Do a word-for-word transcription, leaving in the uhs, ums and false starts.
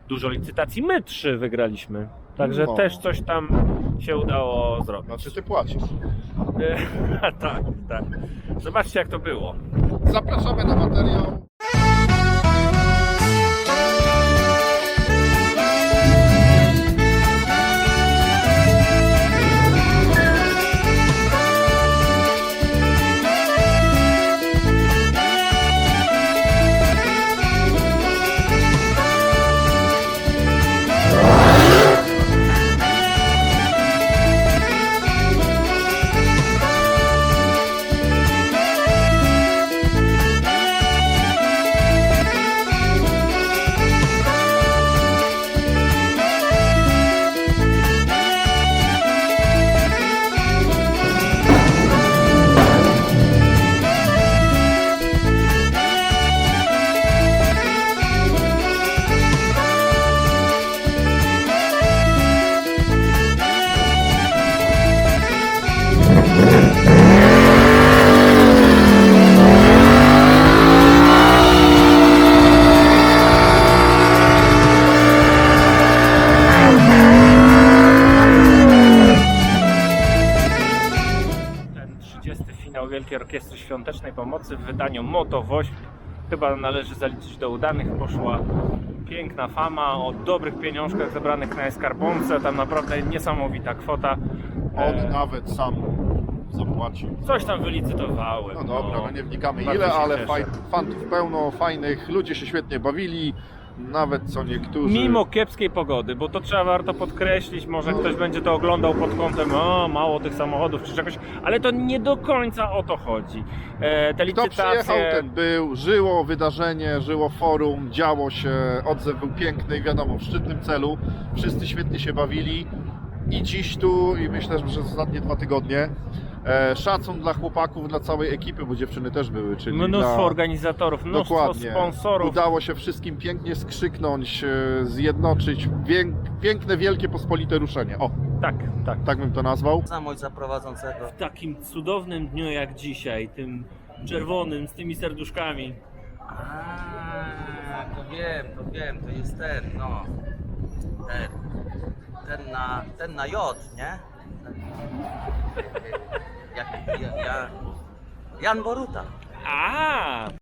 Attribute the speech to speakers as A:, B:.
A: dużo licytacji. My trzy wygraliśmy. Także
B: No.
A: też coś tam się udało zrobić.
B: Znaczy ty płacisz.
A: tak, tak. Zobaczcie jak to było.
B: Zapraszamy na materiał.
A: trzydziesty finał Wielkiej Orkiestry Świątecznej Pomocy w wydaniu Moto Wośp. Chyba należy zaliczyć do udanych. Poszła piękna fama o dobrych pieniążkach zebranych na skarbonce. Tam naprawdę niesamowita kwota.
B: On
A: E,
B: nawet sam zapłacił.
A: Coś tam wylicytowały.
B: No dobra, no nie wnikamy
A: Bardzo
B: ile,
A: się
B: ale
A: cieszę.
B: faj, fantów pełno, fajnych, ludzie się świetnie bawili, nawet co niektórzy.
A: Mimo kiepskiej pogody, bo to trzeba warto podkreślić, może ktoś będzie to oglądał pod kątem o, mało tych samochodów czy czegoś, ale to nie do końca o to chodzi. E, te
B: Kto
A: licytacje...
B: przyjechał, ten był, żyło wydarzenie, żyło forum, działo się, odzew był piękny i wiadomo, w szczytnym celu, wszyscy świetnie się bawili i dziś tu, i myślę, że przez ostatnie dwa tygodnie, e, szacun dla chłopaków, dla całej ekipy, bo dziewczyny też były, czyli
A: Mnóstwo
B: dla...
A: organizatorów, mnóstwo
B: Dokładnie.
A: sponsorów.
B: Udało się wszystkim pięknie skrzyknąć, e, zjednoczyć, Pięk, piękne, wielkie, pospolite ruszenie. O,
A: Tak, tak.
B: tak bym to nazwał.
C: Zamość prowadzącego.
A: W takim cudownym dniu jak dzisiaj, tym czerwonym, z tymi serduszkami.
C: A, to wiem, to wiem, to jest ten, no. Ten. Ten na, ten na J, nie? Jak, ja, ja, Jan Boruta.
A: A,